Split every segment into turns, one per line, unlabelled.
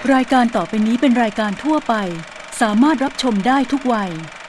รายการต่อไปนี้เป็นรายการทั่วไปสามารถรับชมได้ทุกวัย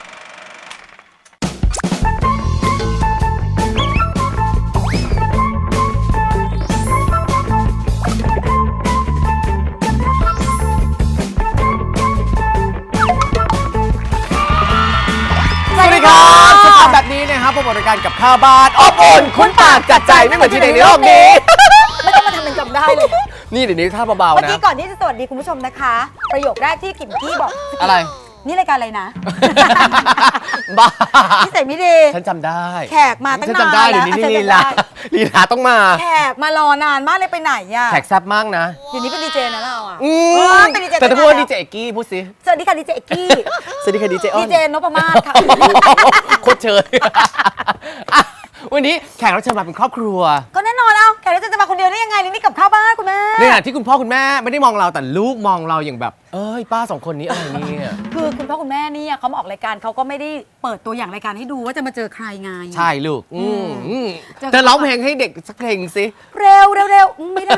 สวัสดีครับสภาพแบบนี้นะครับพบกับรายการกับข้าวบ้านอบอุ่นคุ้นปากจัดใจไม่เหมือนที่ไหนในโลกนี้
ไม่ต้องมาทำเป็นจำได้เลย
นี่เดี๋ยวนี้ท่าเบาๆ
เมื่อ
นะ
กี้ก่อนที่จะสวัสดีคุณผู้ชมนะคะ ประโยคแรกที่กิมกี้บอก
อะไร
นี่รายการอะไรนะ
บ้า
ที่ใส่ไม่ดี
ฉันจำได้
แขกมาตั้ง
ฉัน
นาน
จำได้เดี๋ยวนี้
แล้ว
ลีลาลีลาต้องมา
แขกมารอนานมากเลยไปไหนอ่ะ
แขกแซ่บมากนะ
เดี๋ยวนี้เป็นดีเจนะเราอ่ะ เป็นดีเจ
แต่ถ้าพูดว่าดีเจเอกกี้พูดสิ
สวัสดีค่ะดีเจเอกกี้
สวัสดีค่ะดีเจอ้อ
ดี
น
เจนพมาศค่ะ
โคตรเชยอ่ะวันนี้แขกรับเชิญมาเป็นครอบครัว
ก็แน่นอนเอาแขกรับเชิญจะมาคนเดียวได้ยังไงนี่กับข้าวบ้านคุณแม่
ในขณะที่คุณพ่อคุณแม่ไม่ได้มองเราแต่ลูกมองเราอย่างแบบ เอ้ยป้าสองคนนี้อะไรเนี่ย
คือคุณพ่อคุณแม่เนี่ยเขามาออกรายการเขาก็ไม่ได้เปิดตัวอย่างรายการให้ดูว่าจะมาเจอใครไง
ใช่ลูกเธอร้องเพลงให้เด็กสักเพลงสิ
เร็วไม่ได้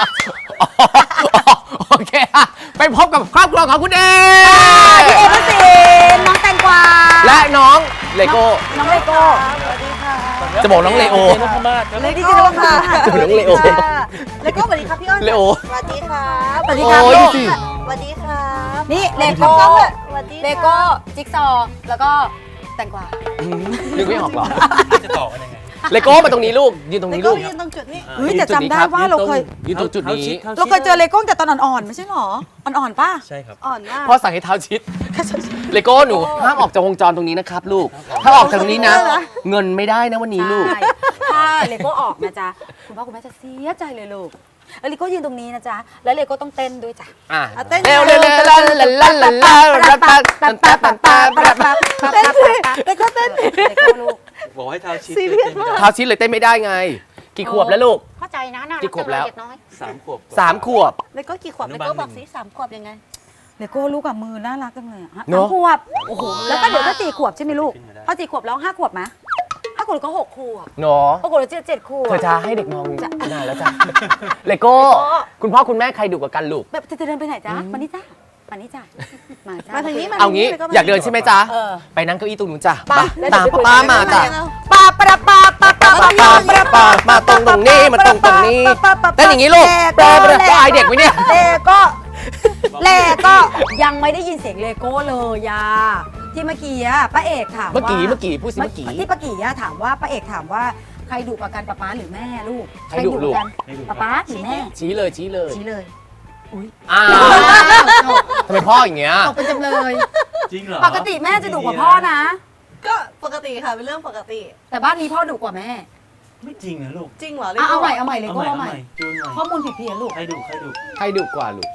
โอเคอะไปพบกับครอบครัวของคุณเอ
พี่เอพระศิลป์น้องแตงกวา
และน้องเลโก้
น้องเลโก้
จะบอกน้องเลโอ
เลดี้เจนค่ะ
จะบอกน้องเลโอ
เลโก้สวัสดีครับพี่อ้อน
เลโอ
สวัสดีครับ
สวัสดีครับ
โอ้ย
ลูก
ดูสิ
สวัสดีครับ
นี่เลโก้
สวัสดี
เลโก้จิ๊กซอว์แล้วก็แตงกวา
นึกไม่ออกหรอ
จะต่อกันยังไง
เลโก้มาตรงนี้ลูกยืนตรง
แล้ว
นี้
ก็
ลูก
ยืนตรงจุดนี้
เฮ้ยแต่จำได้ว่าเราเคย
ยืนตรงจุดนี้
เราเคยเจอเลโก้แต่ตอนอ่อนๆไม่ใช่หรออ่อนๆป่ะ
ใช่ครับ
อ่อนมาก
พ่อสั่งให้เท้าชิดเลโก้หนูห้ามออกจากวงจรตรงนี้นะครับลูกถ้าออกจากตรงนี้นะ เงินไม่ได้นะวันนี้ลูก
ใช่ถ้าเลโก้ออกนะจ๊ะคุณพ่อคุณแม่จะเสียใจเลยลูกแล้วเลโก้ยืนตรงนี้นะจ๊ะแล้วเลโก้ต้องเต้นด้วยจ้ะ
อ่ะ
เต้น
เร็วเร็วเร็วลันลันลันลันลันลันปันปันปันปันปันปันปัน
เต้นสิเลโก้เต้นเลโก้ลูก
บอกให้เท้าชิด
ซีเรียสมาก
เท้าชิดเลยเต้นไม่ได้ไง กี่ขวบแล้วลูก
เข้าใจนะน่ารัก
กี่ขวบแล้ว
เด็กน้อย
3 ขวบ
3 ขวบ
แล้วก็กี่ขวบ
อนุ
แล้ว
บาล
ก็บอก
หนึ่ง
สิ3 ขวบยังไง
เลโก้ลูกกับมือน่ารักจังเลยอะฮะ
เนอะ
3 ขวบโอ้โหแล้วก็เดี๋ยวก็4 ขวบใช่ไหมลูกพอ4 ขวบแล้ว5 ขวบไหม5 ขวบแล้วก็6 ขวบ
เนาะ
6 ขวบแล้ว7 ขวบ
เธอจะให้เด็กมองนานแล้วจ้ะเลโก้ คุณพ่อคุณแม่ใครดุกว่ากันลูก
แบบจะเดินไปไหนจ๊ะมานี่จ้ะมานี่จ้ะมาจ้ะ
มาทางนี้มา
เอางี้
แล้วก็
อยากเดินใช่ไหมจ๊ะ
เออ
ไปนั่งเก้าอี้ตรงนู้นจ้ะ
ไปแล้ว
ตาม
เดี๋ยวไปคุย
ป้ามาจ้ะ
ปาปะปาปาปาปาปาปาปา
มาตรงนี้มาตรงนี้เต้นอย่างนี้ลูกแปรก็อายเด็กไหมเนี่ย
เลโก้ยังไม่ได้ยินเสียงเลโก้เลยยาที่เมื่อกี้อะป้าเอกถามว่า
เมื่อกี้พูดสิเมื่อกี้
ที่ป้ากี้อะถามว่าป้าเอกถามว่าใครดุกว่ากันป๊าป๊าหรือแม่ลูก
ใครดุลูก
ป๊าป๊าหรือแม่
ชี้เลยชี้เลย
ชี้เลย
อ้าวทำไมพ่ออย่างเงี้ย
ตกเป็นจำเลย
จริงเหรอ
ปกติแม่จะดุกว่าพ่อนะ
ก็ปกติค่ะเป็นเรื่องปกติ
แต่บ้านนี้พ่อดุกว่าแม่
ไม่จริงนะลูก
จริงเหรอ
เอาใหม่เลโก้เอาใหม่
จูนใหม่
ข้อมูลผิดเพี้ยนลูก
ใครดุ
ใครดุกว่าลูก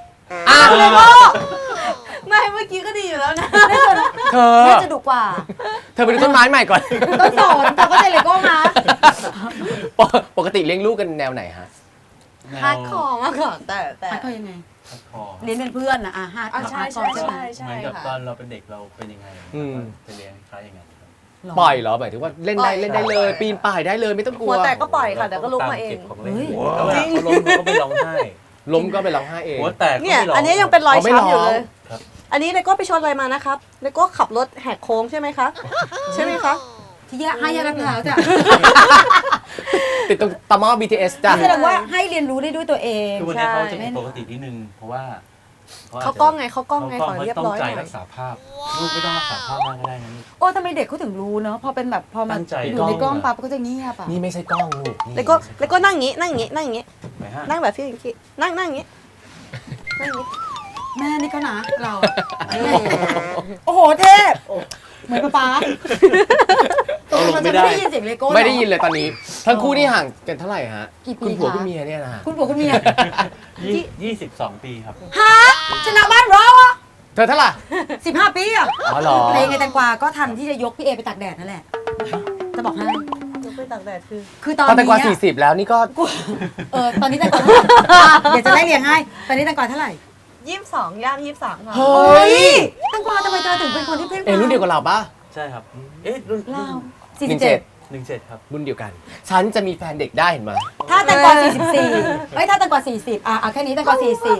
ไม่เมื่อกี้ก็ดีอยู่แล้วนะ
เธอ
แม่จะดุกว่า
เธอไปดูต้นไม้ใหม่ก่อน
ต้นสนเธอก็จะเลโก้มา
ปกติเลี้ยงลูกกันแนวไหนฮะ
แนว
ฮาร์ดคอร์มากค่ะแต่
ฮาร์ดคอร์ยังไง
ฮาร์ดคอร์
เรียนเป็นเพื่อนนะฮาร์ดคอร์
ใช่
ฮาร์ดคอร์ใช่ไหม
เหมือนกับตอนเราเป็นเด็กเราเป็นยังไง
อืม
จะเลี้ยงคล้ายอย่างนั้นครับ
ปล่อยเหรอหมายถึงว่าเล่นได้เล่นได้เลย ปีนป่ายได้เลยไม่ต้องกลั
หั
ว
วแตกก็ปล่อยค่ะแต่ก็ลุกมาเอง
ก็บของเล่นแล้วเวลาเขาล้มเขาก็ไม่ร้องไห้
ล้มก็ไปร้องไห้เอง
หัวแตกก็
เนี่ย
ไม่ร้อง
อันนี้ยังเป็นรอย
ไม่ร้อง
ช้ำอยู่เลย
ครับ
อันนี้เลโก้ไปชนอะไรมานะครับเลโก้ขับรถแหกโค้งใช่ไหมคะใช่ไหมคะ
ที่ให้ยารักเท้าจ้ะ
ติดตรงตอมอ BTS จ้ะ
แสดงว่าให้เรียนรู้ได้ด้วยตัวเอง
คือวันนี้เขาจะ
ใช่
ปกตินิดนึงเพราะว่า
เขากล้องไงเขากล้องไงขอเรียบร้อย
เขา
ห
ต้องใจ
น่อ
รั
ย
กษาภาพลูกไม่ต้องรักษาภาพมากก็ได้นะลูก
โอ้ทำไมเด็กเขาถึงรู้เนอะพอเป็นแบบพอมา
ตั้งใจ
อยู่ในกล้องปั๊บก็จะเงียบอ่ะ
นี่ไม่ใช่กล้องลูกนี่
เลโก้นั่งอย่างงี้นั่งอย่างงี้นั่งอย่างงี้
ไหนฮะ
นั่งแบบพี่อย่างงี้นั่งอย่างงี้นั่งอย่างงี้
แม่นี่เขานะเราโอ้โหเทพเหมือนป๊าตกลงมันจะไม่ได้ยินเสียงเลโก้
ไม่ได้ยินเลยตอนนี้ ทั้งคู่นี่ห่างกันเท่าไหร่ฮะ
กี่ปี
คุณผัว
คะ
คุณเมียเนี่ยนะ
คุณผัวคุณเมีย
22 ปีครับ
ฮะชนะบ้านเราอ่ะ
เธอเท่าไหร่
15 ปีอ่ะ
อ๋อเหรอ
เพลงไงแตงกวาก็ทันที่จะยกพี่เอไปตากแดดนั่นแหละจะบอกให้
ยกไปตากแดดคือ
คือตอน
ตอนแต่
นี้
กว่า40 แล้วนี่ก็
ตอนนี้แตงกวาเท่าไหร่เดี๋ยวจะไล่เรียงให้ตอนนี้แตงกวาเท่าไหร่
22ย่าง23ค่ะ
เฮ้ย
แตงกวาทำไมเธอถึงเป็นคนที่เพ่ง
รุ่นเดียวกับเราปะ
ใช่ครับ เอ๊ะรุ่น
เรา
17
17ครับ
รุ่นเดียวกัน ฉันจะมีแฟนเด็กได้เห็นไหม
ถ้าแตงกวา44ถ้าแตงกวา40แค่นี้แตงกวา40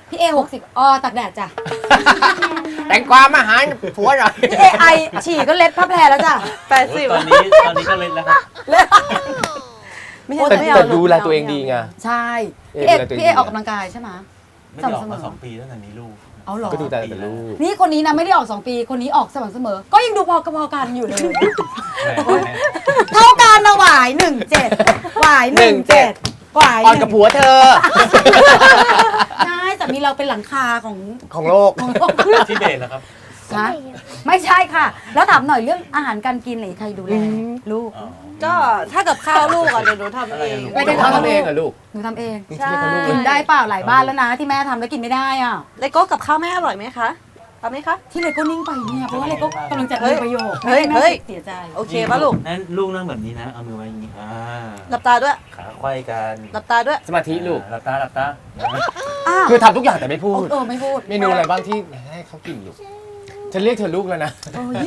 พี่เอ60ตากแดดจ้ะ
แต่งกวามาหาผัวหน่อย
พี่เอไอฉี่ก็เล็ดผ้าแพรแล้วจ้ะ
80
ตอนนี้ก็เล่นแล้วครับ
ไม่ใช่
แต่
ไม่เอา
แต่ดูแลตัวเองดีไง
ใช่
เอ
พี่เอ
ดูแลตัวเองดี
ออกกำลังกายใช่ไหม
ไม่ได้ออก
สม่ำเสม
มา
อ
2 ปีตั้งแต่มีลูก
เอาเหรอ
ก็ดูแต่ลูก
นี่คนนี้นะไม่ได้ออก2 ปีคนนี้ออกสม่ำเสมอ ก็ยังดูพอกันอยู่เลย เท่ากันนะหวาย17หวาย17หวาย
อ่อนกับผัวเธอ
ใช่แต่มีเราเป็นหลังคาของ
ของโลก
ของโลก
ที่เบสแล้วครับ
นะไม่ใช่ค่ะ แล้วถามหน่อยเรื่องอาหารการกินไหนใครดูแลลูก
อ๋อ
ก็ถ้ากับข้าวลูกอ่ะเดี๋ยวหนูทำเอง
ไม่
ไม่
ได้
ได้เขาทำเองเหรอลูก
หนูทำเอง
ใช่
กินได้เปล่าหลายบ้านแล้วนะที่แม่ทำแล้วกินไม่ได้อ่ะ
เลโก้กับข้าวแม่อร่อยไหมคะเอาไหมคะ
ที่เลโก้นิ่งไปเนี่ยเพราะว่าเลโก้กำลังจะ
เฮ้
มี
ย
ประโยชน์
เฮ้ย
แม่
เฮ้ย
เสียใจ
โอเคป่ะลูก
นั่นลูกนั่งแบบนี้นะ เอามือไว้อย่างนี้
หลับตาด้วย
ขาไขว้กัน
หลับตาด้วย
สมาธิลูก
หลับตานะ
อ้าว
คือทำทุกอย่างแต่ไม่พูด
ไม่พูด
เมนูอะไรบ้างที่ให้เขากินลูกฉันเรียกเธอลูกแล้วนะ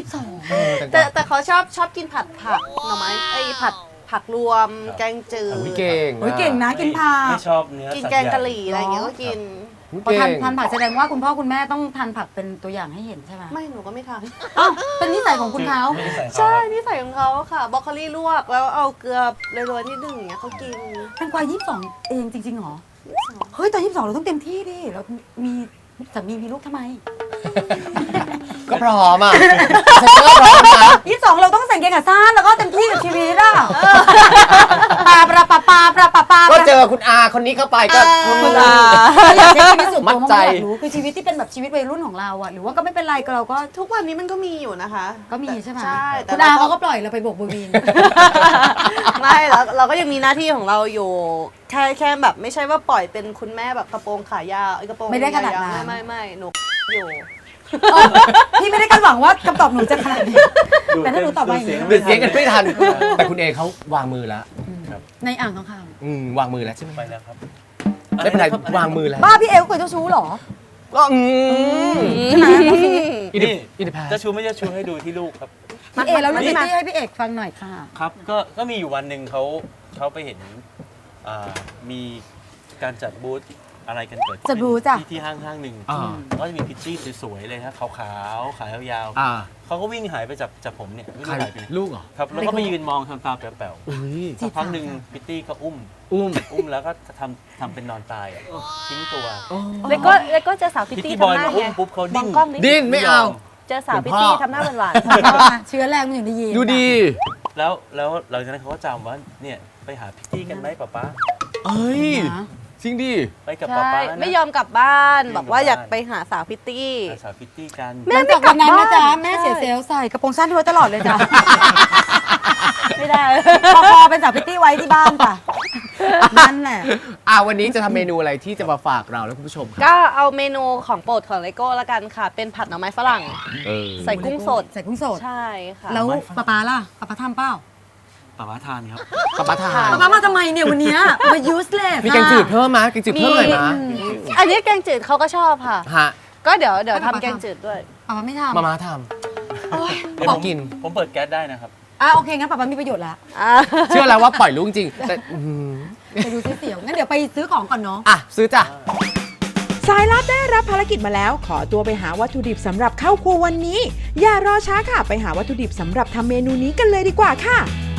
22
แต่เขาชอบกินผัดผักหน่อไม้ไอ้ผักรวมแกงจืด
อุ๊ยเก่ง
โอ้ยเก่งนะกินผัก
ไม่ชอบเนื้อ
กิน
สัตว์
แกงกะห
ใญ่
รี่อะไรอย่างเงี้ยก็กิน
พอ
เก่ง
ทานผักแสดงว่าคุณพ่อคุณแม่ต้องทานผักเป็นตัวอย่างให้เห็นใช่ไหม
ไม่หนูก็ไม่ทาน
อ้าวเป็นนิสัยของคุณเขา
ไม่ได้ใส่เขา
ใช่นิสัยของเขาค่ะบรอกโคลีลวกแล้วเอาเกลือโรยๆนิดนึงอย่างเงี้ยเขากิน
เป็นกวาย22 เองจริงๆเหรอ เฮ้ยตอน22เราต้องเต็มที่ดิเรามีสามีมีลูกทำไม
ก็พร้อมอ่ะฉันก็พร้อมนะ
22เราต้องใส่กางเกงขาสั้นแล้วก็เต็มที่กับชีวิตอ่ะปลา
ก็เจอคุณอาคนนี้เข้าไปก็
คุณอาอยากใช้ชีวิตส่วน
มั่
ตัวน
ใจ
มากอยากรู้คือชีวิตที่เป็นแบบชีวิตวัยรุ่นของเราอ่ะหรือว่าก็ไม่เป็นไรก็เราก็
ทุกวันนี้มันก็มีอยู่นะคะ
ก็มีใช่ไหม
ใช่แต่
คุณอาเขาก็ปล่อยเราไปโบกบูวิน
ไม่แล้วเราก็ยังมีหน้าที่ของเราอยู่แค่แบบไม่ใช่ว่าปล่อยเป็นคุณแม่แบบกระโปรงขายาวกระโปรง
ไม่ได้ขนาดนั้น
ยาวๆไม่หนูอยู่
พี่ไม่ได้คาดหวังว่าคำตอบหนูจะขนาดนี้แต่ถ้าหนูตอบมาอย่างนี้
เดือดเสียงกันไม่ทัน แต่คุณเอเขาวางมือแล้ว
ในอ่างทองค
วางมือแล้วใช่ไหม
ไปแล้วครับ
ไม่เป็นไรวางมือแล้ว
ำบ้าพี่เอลเคยเจ้าชู้เหรอ
ก็
ใช่ไหม
อินดิพา
จะชูไม่จะชูให้ดูที่ลูกครับ
พี่เอแล้วเรื่องพิตตี้ให้พี่เอกฟังหน่อยค่ะ
ครับก็มีอยู่วันหนึ่งเขาไปเห็นมีการจัดบูธอะไรกันเกิดขึ้น
จัดบูธจ้ะ
ที่ห้างหนึ่ง
อ่า
ก็จะมีพิตตี้สวยๆเลยฮะขาวๆขายาว
อ่า
ๆเขาก็วิ่งหายไปจากผมเนี่ยไม่
ใคร
รู้หายไปไหน
ลูกเหรอ
ครับแล้วก็ไปยืนมองทำตาแป๋ว
อุ้ย
ๆสักพักหนึ่งพิตตี้ก็อุ้มแล้วก็ทำเป็นนอนตายอ่ะทิ้งตัว
แล้วก็เจอสาวพิต
พิต
ตี้
ตี้บอย
ทำหน้า
มาอุ้
ไง
มปุ๊บเขา
มอ
ดิ้
ง
น
กล้องดิ
ดิ้นไม่เอา
เจอสาวพิตตี้ทำหน้าหวาน
เชื้อแรงมันอยู่ในยีน
ดูดี
แล้วหลังจากนั้นเขาก็จำว่าเนี่ยไปหาพิตตี้กันไหมป๊า
เอ้ย
นะ
จริงดิ
ไปกับ
ใช่
ป๊านะ
ไม่ยอมกลับบ้าน
ไม่ยอม
บอกว่า
กลับบ้าน
อยากไปหาสาวพิตตี้
หาสาวพิตตี้กัน
หลังจากวันนั้นนะจ๊ะแม่เสียเซลล์ใส่กระโปรงสั้นไว้ตลอดเลยจ้ะ
ไม่ได้
พอเป็นสาวพิตตี้ไว้ที่บ้านจ้ะนั่นแหละ
วันนี้จะทำเมนูอะไรที่จะมาฝากเราและคุณผู้ชมครับ
ก็เอาเมนูของโปรดของเลโก้ละกันค่ะ เป็นผัดหน่อไม้ฝรั่ง ใส่กุ้งสด
ใส่กุ้งสด
ใช่ค่ะ
แล้วป๊าล่ะป๊าทำเปล่า
ป๊าทานครับ
กับปะทาน
ป๊ามาทำไมเนี่ยวันเนี้ยมา useless
มีแกงจืดเพิ่มมั้ยแกงจืดเพิ่มหน่อยมั้ย
อันนี้แกงจืดเขาก็ชอบค่ะ
ฮะ
ก็เดี๋ยวทำแกงจืดด้วย
ป๊าไม่ทำ
มาม่าท
เดี๋ยว
บอกกิน
ผมเปิดแก๊สได้นะครับ
โอเคงั้นป๊ามีประโยชน์ละ
ำเชื่อแล้วว่าปล่อยลูกจริงแต่
ไปดูเสียวงั้นเดี๋ยวไปซื้อของก่อนเนาะ
ซื้อจ้ะ
สายลับได้รับภารกิจมาแล้ว ขอตัวไปหาวัตถุดิบสำหรับเข้าครัววันนี้ อย่ารอช้าค่ะ ไปหาวัตถุดิบสำหรับทำเมนูนี้กันเลยดีกว่าค่ะ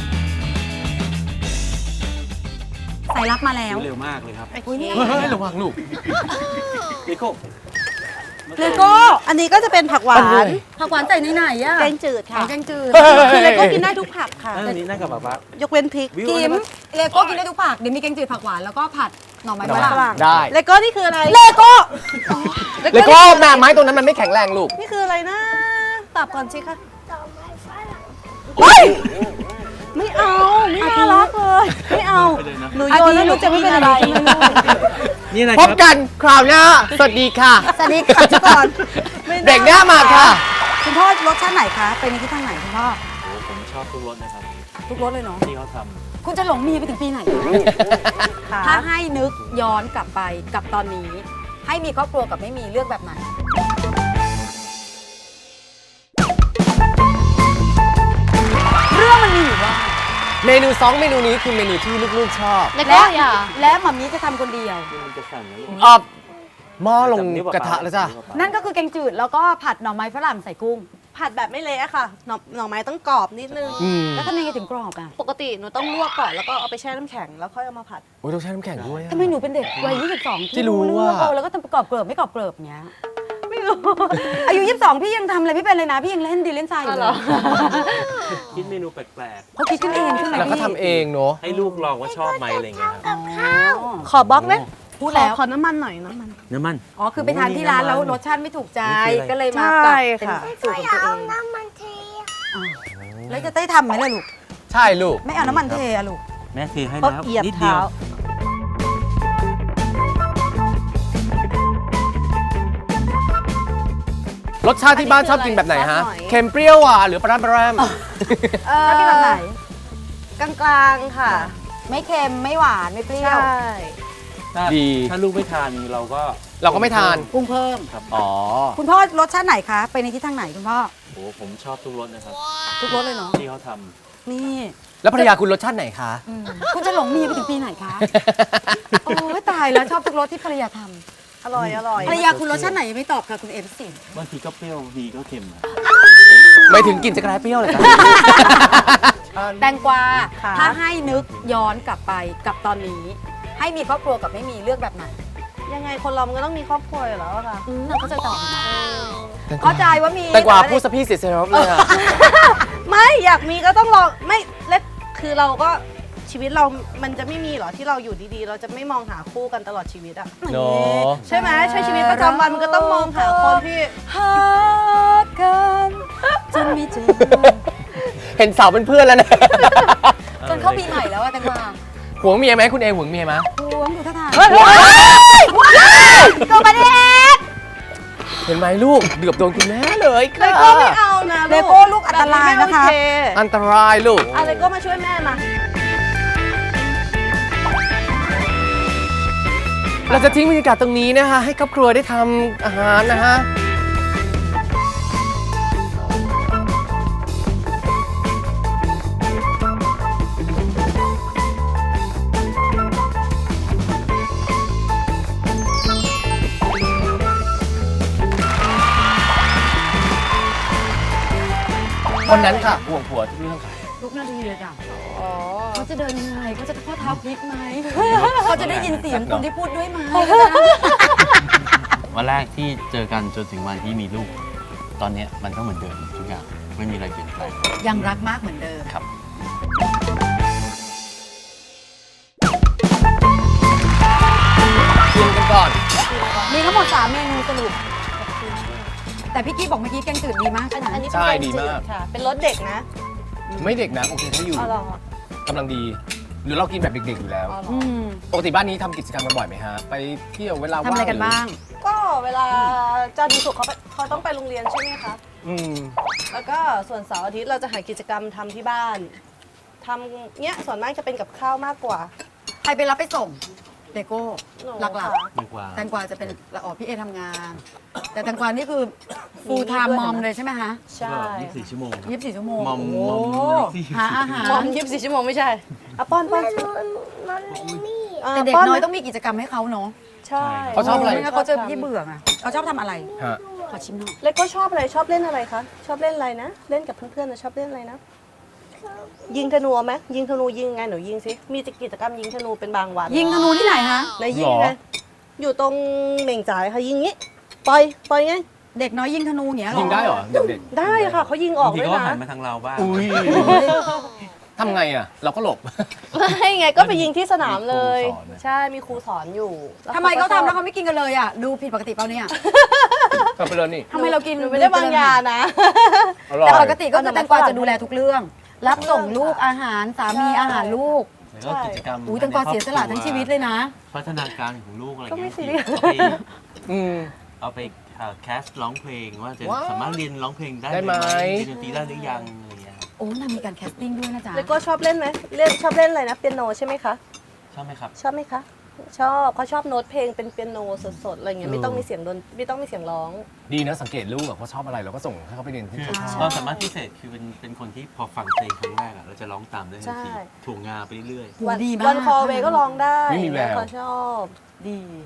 สายลับมาแล้ว
เร็วมากเลยครับ
อุ้ยนี่
เฮ้ยระวังลูก
นิโก้
เลโก้
อันนี้ก็จะเป็นผักหวาน
ผักหวานใส่ในไหนอะ
แกงจืดค่ะ
แกงจืด
คือเลโก้กินได้ทุกผักค่ะ
อันนี้นั่งกับป๊าย
กเว้นพริก
วิว
กิ
นะ
ม
ครับ
เลโก้กินได้ทุกผักเดี๋ยวมีแกงจืดผักหวานแล้วก็ผัดหน่อไม้ฝรั่ง
ได้
เลโก้นี่คืออะไร
เลโก้
เลโก้แม่ไม้ตรงนั้นมันไม่แข็งแรงลูก
นี่คืออะไรนะตอบก่อนสิคะ
เฮ้ย
ไม่เอาไม่น่ารักเลยไม่เอา
ไปเลยนะ
หนูโยนแล้วหนูจะไม่เป็นอะไร
นี่อะไร
พ
ครับ บ
กันคราวหน้าสวัสดีค่ะ
สวัสดีค่ะทุกคน
เบรกหน้ามาค่ะ
คุณพ่อรสชาติไหนคะไปในทิศทางไหนคุณพ่อ
โอ้ผมชอบทุกรสนะครับ
ทุกรสเลยเนาะ
ที่เขาท
คุณจะหลงเมียไปถึงปีไหน ถ้าให้นึกย้อนกลับไปกับตอนนี้ ให้มีครอบครัวกับไม่มีเลือกแบบไหน เรื่องมันมีอยู่ว่า
เมนู2เมนูนี้คือเมนูที่ลูกๆชอบ
เลโก้อย่า
และหม่ามีจะทำคนเดียว
ำมันจะสั่นนะลูก
เอ่อหม้อลงกระทะแล้วจ้ะ
นั่นก็คือแกงจืดแล้วก็ผัดหน่อไม้ฝรั่งใส่กุ้ง
ผัดแบบไม่เละอะค่ะหน่อไม้ต้องกรอบนิดนึง
แล้วทำยังไงถึงกรอบอ่ะ
ปกติหนูต้องลวกก่อนแล้วก็เอาไปแช่น้ำแข็งแล้วค่อยเอามาผัด
โอ้ยต้องใช้น้ำแข็งด้วยอะ
ทำไมหนูเป็นเด็กวัย22
ที่รู้
เรื่อง
ว่า
แล้วก็ทำกรอบเกริบไม่กรอบเกริบเงี้ยไม่รู้ อายุ22พี่ยังทำอะไรไม่เป็นเลยนะพี่ยังเล่นดีเล่นทรายอยู่เลย
คิดเมนูแปลก
เขาคิดขึ้นเองใช่ไหม
แล้วก็
พี่
ทำเองเนาะ
ๆ ให้ลูกลองว่าชอบไหมอะไรเงี้ยครับ
ขอบล็อกไหม
พูดแล้ว
ขอน้ำมันหน่อยน้ำมัน
น้ำมัน
อ๋อคือไปทานที่ร้านแล้วรสชาติไม่ถูกใจ
นี่คืออะไร
ก็เลยมา
ใช่
ปรับเป็น
ค่ะ
สูตรของตัวเองแล้วจะได้ทำไหมล่ะลูก
ใช่ลูก
ไม่เอาน้ำมันเทอะลูก
แม่เทให้
เพราะ
แล้ว
เหยียบ
นิดเดีย
เท้า
ว
รสชาติที่บ้านชอบกินแบบไหนฮะ
ซอสหน่อย
เค็มเปรี้ยวหวานหรือปลาร้าปลาแรม
แล้วกินแบบไหน
กลางๆค่ะ
ไม่เค็มไม่หวานไม่เปรี้ยว
ใช่
ถ้า
ดี
ถ้าลูกไม่ทานเราก็
เราก็ไม่ทาน
ปรุงเพิ่ม
ครับ
อ๋อ
คุณพ่อรสชาติไหนคะ ไปในทิศทางไหนคุณพ่อ
โอ้ผมชอบทุกรสนะครับ
ทุกรสเลยเนาะ
ที่เขาท
นี่
แล้วภรรยาคุณรสชาติไหนคะ
คุณจะหลงเมียไปถึงปีไหนคะ โอ้ยตายแล้วชอบทุกรสที่ภรรยาท
อร่อยอร่อย
ำภรรยาคุณรสชาติไหนยังไม่ตอบค่ะคุณเอฟสิ
ำบางทีก็เปรี้ยวบางทีก็เค็มอะ
ไม่ถึงกลิ่นจะกลายเปรี้ยวเลยจ้ะ
แตงกวา
ค่ะ
ถ้าให้นึกย้อนกลับไปกับตอนนี้ ให้มีครอบครัวกับไม่มีเลือกแบบไหน
ยังไงคนเรามันก็ต้องมีครอบครัวอยู่แล้วอะค่ะ
เข้าใจตอบนะเข้าใจว่ามี
แต่กว่าพูดสะพี่เสียเซรั่มเลยอะ
ไม่อยากมีก็ต้องรอไม่เล็กคือเราก็ชีวิตเรามันจะไม่มีหรอที่เราอยู่ดีๆ เราจะไม่มองหาคู่กันตลอดชีวิตอะ
เนาะ
ใช่ไหมใช้ชีวิตประจำวันมันก็ต้องมองหาคนที่
หากันจนมีเจอ
เห็นสาวเป็นเพื่อนแล้วนะ
จนเข้าปีใหม่แล้วอะแตงกวา
หวงเมียไหมคุณเอหวงเมียไหม
หวงอยู่ท่าทาง
ตัวประเด็นเห็นไหมลูกเดือบโดนคุณแม่เลย
เลโก้ไม่เอานะ
เลโก้ลูกอันตรายนะคะ
แบบไม่โอเค
อันตรายลูก
เอาเลโก้มาช่วยแม่มา
เราจะทิ้งบรรยากาศตรงนี้นะคะ ให้ครอบครัวได้ทำอาหารนะฮะ คนนั้นค่ะห่วงผัวทุกเรื่องค่ะ
ทุกนาทีเลยจ้ะเขาจะเดินยังไงเขาจะข้อเท้าพลิกไหมเขาจะได้ยินเสียงคนที่พูดด้วยไหม
วันแรกที่เจอกันจนถึงวันที่มีลูก ตอนเนี้ยมันก็เหมือนเดิมทุกอย่างไม่มีอะไรเปลี่ยนแปลง
ยังรักมากเหมือนเดิม
ครับ
ชิมกันก่อน
มีทั้งหมด3เมนูสรุปแต่พี่กี้บอกเมื่อกี้แกงจืดดีมากใช่ไหม
อันนี้
ใช่
เป็น
ดี
แกงจื
มาก
ค่ะ เป็นรสเด็กนะ
ไม่เด็กนะโอเคถ้าอยู่
อ๋อเหรอก
ำลังดี หรือเรากินแบบเด็กๆอยู่แล้ว
อ๋อเหรอ
อืม
ปกติบ้านนี้ทำกิจกรรมกันบ่อยไหมฮะ ไปเที่ยวเวลา
ทำอะไรกันบ้าง
ก็เวลาจันทร์ถึงศุกร์เขาต้องไปโรงเรียนใช่ไหมคะ
อืม
แล้วก็ส่วนเสาร์อาทิตย์เราจะหากิจกรรมทำที่บ้านทำเนี้ยส่วนมากจะเป็นกับข้าวมากกว่า
ใครไปรับไปส่งเลโก้
หนู
หลัก
ค่ะ
ดีกว่า
ๆแตงกวาจะเป็นละออพี่เอทำงาน แต่แตงกวานี่คือ full time mom เลยใช่ไหมคะ
ใช่
24 ชั่วโมง
24 ชั่วโมง
มอม
โอ้
มอม
โห
24
หาอาหาร
มอม24 ชั่วโมงไม่ใช่อ่ะป้อนป้อน
แต่เด็ก
ป้
น้อย
ไหม
ต้องมีกิจกรรมให้เขาเนาะ
ใช่
เขาชอบอะไร
ไม่งั้นเขาจะพี่เบื่อไงเขาชอบทำอะไร
ฮะ
ขอชิมหน่อย
เล็กก็ชอบอะไรชอบเล่นอะไรคะชอบเล่นอะไรนะ เล่นกับเพื่อนๆนะชอบเล่นอะไรนะ ยิงธนูไหมยิงธนูยิงไงหนูยิงสิมีกิจกรรมยิงธนูเป็นบางวัน
ยิงธนูที่ไหนคะ
ไหนยิงไงอยู่ตรงเหม่งจ่ายค่ะยิงงี้ปล่อยไง
เด็กน้อยยิงธนูอย่างเงี้ยเหรอ
ยิงได้เหรอเด็ก
ได้ค่ะเขายิงออบ
าก งที
ด้วย
ก็หัน
นะ
มาทางเราบ้าง
ๆอุ้ยทำไงอ่ะ เราก็หลบ
ไม่ไงก็ไปยิงที่สนามเลย
มีครูสอนนะ
ใช่มีครูสอนอยู่
ทำไมเขาทำแล้วเขาไม่กินกันเลยอ่ะดูผิดปกติเปล่าเนี่ย
ก็ไปเลยนี่
ทำไมเรากิน
หนูไม่ได้วางยานะ
อร่อย
แต่ปกติก็คือแตงกวาจะดูแลทุกเรื่อง รับส่งลูกอาหารสามีอาหารลูก
แล้วก็กิจกรรม
อุ้ยแตงกวาเสียสละทั้งชีวิตเลยนะ
พัฒนาการของลูกอะไร
ก็ไม่
เงี้ย
ซีเรียส
อืม
เอาไปแคสร้องเพลงว่าจะ
ว้าว
สามารถเรียนร้องเพลงได้
ได้ไหม
เรียนดนตรีได้หรือยังอะไรเงี้ยครับ
โอ้นางมีการแคสติ้งด้วยนะจ๊ะ
แล้วก็ชอบเล่นไหมชอบเล่นอะไรนะเปียโนใช่ไหมคะ
ชอบไหมครับ
ชอบไหมคะชอบเขาชอบโน้ตเพลงเป็นเปียโนสดๆอะไรเงี้ยไม่ต้องมีเสียงไม่ต้องมีเสียงร้อง
ดีนะสังเกตลูกอะเขาชอบอะไรเราก็ส่งให้เขาไปเรียนที่
คือ
เขาช
ค
อ
วา
บ
มสามารถพิเศษคือเป็นคนที่พอฟังเพลงครั้งแรกอะเราจะร้องตามได้ทันที
ใช่
ถ่วงงาไปเรื่อย
โหดีมาก
วันคอเวก็ร้องได้
ไม่มีแวว
เขาชอบ
ดี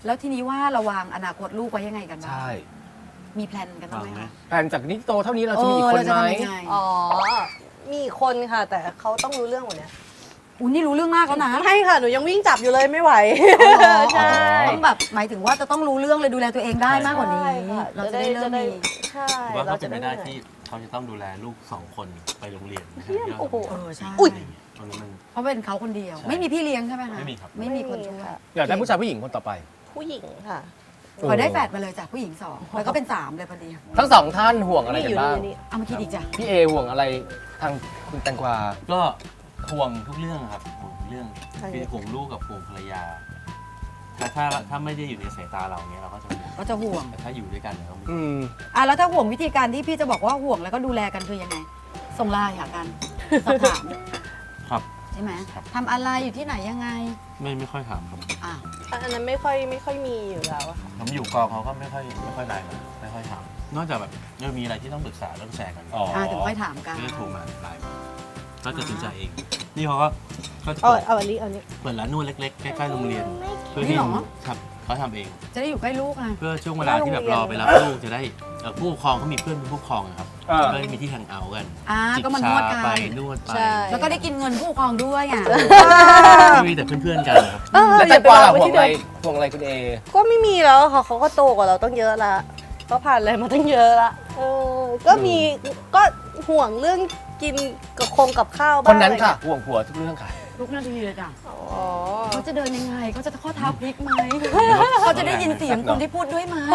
แล้วทีนี้ว่าเราวางอนาคตลูกไว้ยังไงกันบ้าง
ใช่
มีแพลนกันบ้างไหม
วางไหม
คะ
แผนจากนี้โตเท่านี้เราจะมีอีกคน
เราจะ
ไหม
ทำยังไง
อ๋อ มีอีกคนค่ะ แต่เขาต้องรู้เรื่องหมดเนี่ย
อุ้ยนี่รู้เรื่องมากแล้วนะ
ไม่ค่ะ หนูยังวิ่งจับอยู่เลยไม่ไหว ใช่
ต้องแบบหมายถึงว่าจะต้องรู้เรื่องเลยดูแลตัวเองได้มากกว่านี้
ใช่ค่ะ
เราจะได้เริ่มมี
ใช่
ว่าเขาเป็นไปได้
หนื่อย
ที่เขาจะต้องดูแลลูก2 คนไปโรงเรียนนะฮะ
เยี่ยมโอ้โห
ใช่
อุ๊ย
ตรงนี้มัน
เพราะเป็นเขาคนเดียว
ใช่
ไม่มีพี่เลี้ยงใช่ไหมคะ
ไม่มีครับ
ไม่มีคนช่วย
ค่ะ
อยากได้ผู้ชายผู้หญิงคนต่อไป
ผู้หญิงค่ะ
ขอได้แฝดมาเลยจากผู้หญิง2แล้วก็เป็น3เลยพอดี
ทั้งสองท่านห่วงอะไร
นี่
กั
อยู่
นบ้าง
นี่
เอามาคิดอีกจ้ะ
พี่เอห่วงอะไรทางคุณแตงกวา
ก็ห่วงทุกเรื่องครับห่วงทุกเรื่อง
ใช่
คือห่วงลูกกับห่วงภรรยาถ้าไม่ได้อยู่ในสายตาเราเนี้ยเราก็จะห่วง
ก็จะห่วง
แต่ถ้าอยู่ด้วยกันเราก็ไม่
อืม
แล้วถ้าห่วงวิธีการที่พี่จะบอกว่าห่วงแล้วก็ดูแลกันคือยังไง ส่งไลน์หากันสอบถาม
ครับ
ใช่ไหม
ครับ
ทำอะไรอยู่ที่ไหนยังไง
ไม่ค่อยถามครับ
อ้าว
อันนั้นไม่ค่อยมีอยู่แล้วอะค่ะ
ผมอยู่กองเขาก็ไม่ค่อยไลน์มาไม่ค่อยถามนอกจากแบบมีอะไรที่ต้องปรึกษาเรื่องแชร์กัน
อ๋อ
ถึงค่อยถามกัน
ก็จะโทรมาไลน์ก็จะตัดสินใจเอง นี่เขาก็จะ
เอาอันนี้
เปิดร้านนวดเล็กๆใกล้ๆโรงเรียนเพื่อ
นี่
ที่
เหรอ
ครับเขาทำเอง
จะได้อยู่ใกล้ลูกไง
เพื่อช่วงเวลาที่แบบรอไปรับลูกจะได้ผู้ปกครองเขามีเพื่อนเป็นผู้ปกครองอะครับก็ได้มีที่แฮงเอาท์กัน
ก็
จิบ
มาน
ชาว
ดกัน
ไปนวดไป
ใช่
แล้วก็ได้กินเงินผู้ปกครองด้วยอ่ะ
ไม่มีแต่เพื่อนๆกันครับ
แล้วแตงกวาห่วงอะไรห่วงอะไรคุณเอ
ก็ไม่มีแล้วค่ะเขาก็โตกว่าเราต้องเยอะละก็ผ่านอะไรมาตั้งเยอะละก็มีก็ห่วงเรื่องกินกับข้าวบ้าง
คนนั้นค่ะ
อไร
ห่วงผัวทุกเรื่องค่ะ
ทุกนาทีเลยจ้ะ
อ๋อ
เขาจะเดินยังไงเขาจะข้อเท้าพลิกไหมเขาจะได้ยินเสียงคนที่พูดด้วยไหม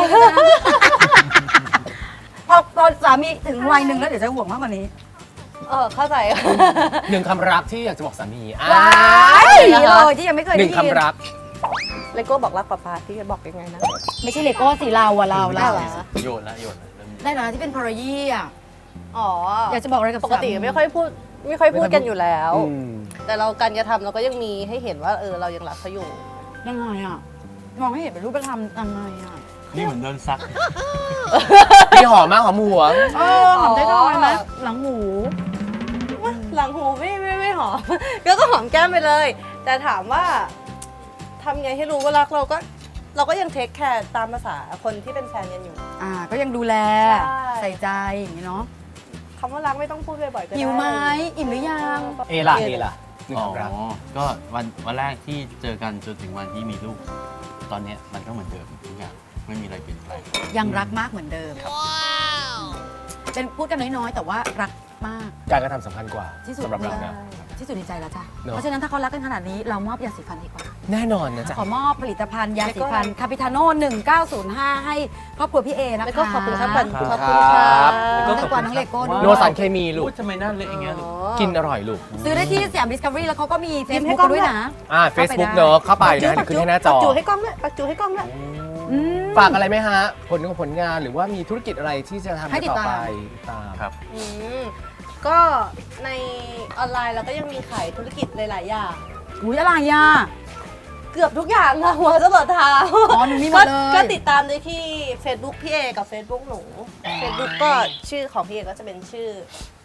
พอสามีถึงวัยหนึ่งแล้วเดี๋ยวจะห่วงมากกว่านี้
เข้าใจ
หนึ่งคำรักที่อยากจะบอกสามี
ว้ายเลยที่ยังไม่เคย
ห
ได้
นึ่ง
ยิน
คำรัก
เลโก้บอกรักป๊าป๊าที่จะบอกยังไงนะ
ไม่ใช่เลโก้สิเราอะเรา
ได้เหรอ
โยนละเริ่ม
ได้นะที่เป็นพารายี่อะ
อ๋อ
อยากจะบอกอะไรกับ
ปกติไม่ค่อยพูดกันอยู่แล้ว
อืม
แต่เราการกระทำเราก็ยังมีให้เห็นว่าเรายังรักเขาอยู่
ยังไงอะมองให้เห็นเป็นรูปธรรมยังไงอะ
นี่เหมือนโดนซัก
พี่หอมมากหอมหัว
หอมได้ทอยไหมหลังหู
หลังหูไม่หอม ก็หอมแก้มไปเลย แต่ถามว่าทำไงให้รู้ว่ารักเราก็ยังเทคแคร์ตามภาษาคนที่เป็นแฟนกันอยู่
ก็ยังดูแล
ใช่
ใส่ใจอย่างนี้เนาะ
คำว่ารักไม่ต้องพูดบ่อยๆก็ได้
หิวไหมอิ่มหรือยัง
เอล่ะเอล่ะหนึ่ง
อ๋อ
คำรัก
ก็วันแรกที่เจอกันจนถึงวันที่มีลูก ตอนเนี้ยมันก็เหมือนเดิมทุกอย่างไม่มีอะไรเปลี่ยนแปลง
ยังรักมากเหมือนเดิมเป็นพูดกันน้อยๆ แต่ว่ารักมาก
การกระทำสำคัญกว่า
ที่สุด
สำหรับเรานะ
ที่สุดในใจแล้วจ้ะ
เนอะ
เพราะฉะนั้นถ้าเขารักกันขนาดนี้เรามอบยาสีฟันดีกว่า
แน่นอนนะจ๊ะ
ขอมอบผลิตภัณฑ์ยาสีฟันคาปิทาโน่1905 ให้ครอบครัวพี่เอนะคะ
แล้วก็ขอบคุณครับ
ขอบคุณครับ
แล้วก็กว่าน้องเลโก้ด้วย
โนสารเคมีลูก
อุ๊ยทำไมหน้าเละอย่างเงี้ยลูก
กินอร่อยลูก
ซื้อได้ที่สยามดิสคัฟเวอรี่แล้วเขาก็มีเฟซ
ให้
บุ๊ก
กล้อง
ด้วย
ด้วย
นะ
Facebook เนอะเข้าไปนะเดี๋ยวขึ้นให้หน้าจอ
ปักจูให้กล้องด้วยปักจูให้กล้องด้วย
ฝากอะไรไหมฮะ ผลงานหรือว่ามีธุรกิจอะไรที่จะทำ
ให้ติด
ต่อ
ตาม
ไปติดตาม
ครับ
ก็ในออนไลน์เราก็ยังมีขายธุรกิจหลายๆอย่าง
อุ้ยอะไรอ่ะ
เกือบทุกอย่างค่ะหัวจรดเท้า
หนูมีหมดเลย
ก็ติดตามได้ที่ Facebook พี่เอกับ Facebook หนู Facebook ก็ชื่อของพี่เอก็จะเป็นชื่อ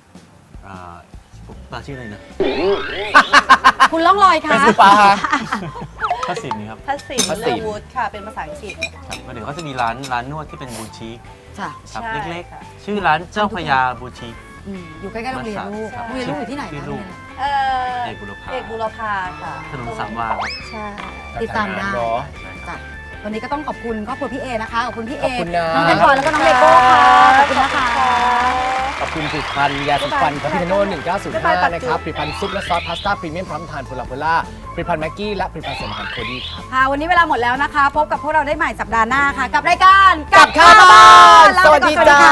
ปลาชื่ออะไรนะ
คุณล่องลอย
เฟ
ค่ะ
ซบุ๊กปลาฮะ
พระสินนี่ครับ
พัสสิน
พัส
เล
สิน
วูดค่ะ เป็นภาษาอังกฤษ
ครับแล้วเดี๋ยวก็จะมีร้านนวดที่เป็นบูชิค
จ้ะ
ครับ
ใช่
เล็ก
ค่ะ
ๆ ชื่อร้านเจ้าพระยาบูชิค
อยู่ใกล้ๆโรงเรียนลูก
ครับ
โรงเรียนลูกอยู่ที่ไหน
ชื่
นะ
อลูก เอกบุรพา
เอกบุรพาค่ะ
ถนนสามวาครับ
ใช่
ติดตามได้
เนอะ
จ้ะวันนี้ก็ต้องขอบคุณครอบครัวพี่เอนะคะ ขอบคุณพี่เอ
ขอบคุณนะ
น้องแตงกวาแล้วก็น้องเลโก้ค่ะ ขอบคุณนะคะ
ขอบคุณผลิตภัณฑ์ยาสีฟันคาพิทาโน่1905 นะครับผลิตภัณฑ์ซุปและซอสพาสต้าพรีเมียมพร้อมทานโพลาโพล่าผลิตภัณฑ์แม็กกี้และผลิตภัณฑ์เสริมอาหารโคดี้ครับ
ค่ะ วันนี้เวลาหมดแล้วนะคะ พบกับพวกเราได้ใหม่สัปดาห์หน้าค่ะ กับรายการ
กับข้าวบ้าน
ลาไปก่อน
สวัสดีจ้า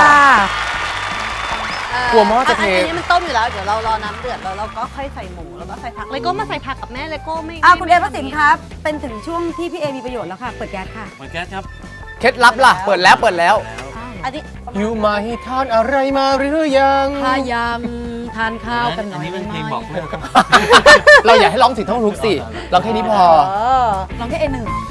กลัวหม้อจะเท
อันนี้มันต้มอยู่แล้ว เดี๋ยวเรารอน้ำเดือดแล้วเราก็ค่อยใส่หมูแล้วก็ใส่ผักเลโก้มาใส่ผักกับแม่เลโก้ไม่
คุณเอพระสินครับ เป็นถึงช่วงที่พี่เอมีประโยชน์แล้วค่ะ เปิดแก๊สค่ะ
เหมือนแก๊สครับ
เคล็ดลับล่ะ เปิดแล้ว
แล้ว
อันนี้
อยู่มาให้ทานอะไรมาหรือยัง
พยายามทานข้าวกันหน่
อั
อน ย
นี้เป็นเพลงบอกเลิก
เราอยากให้ร้องถึงท่องทุกสิร้องแค่นี้พอ
ลองแค่เอหนึ่ง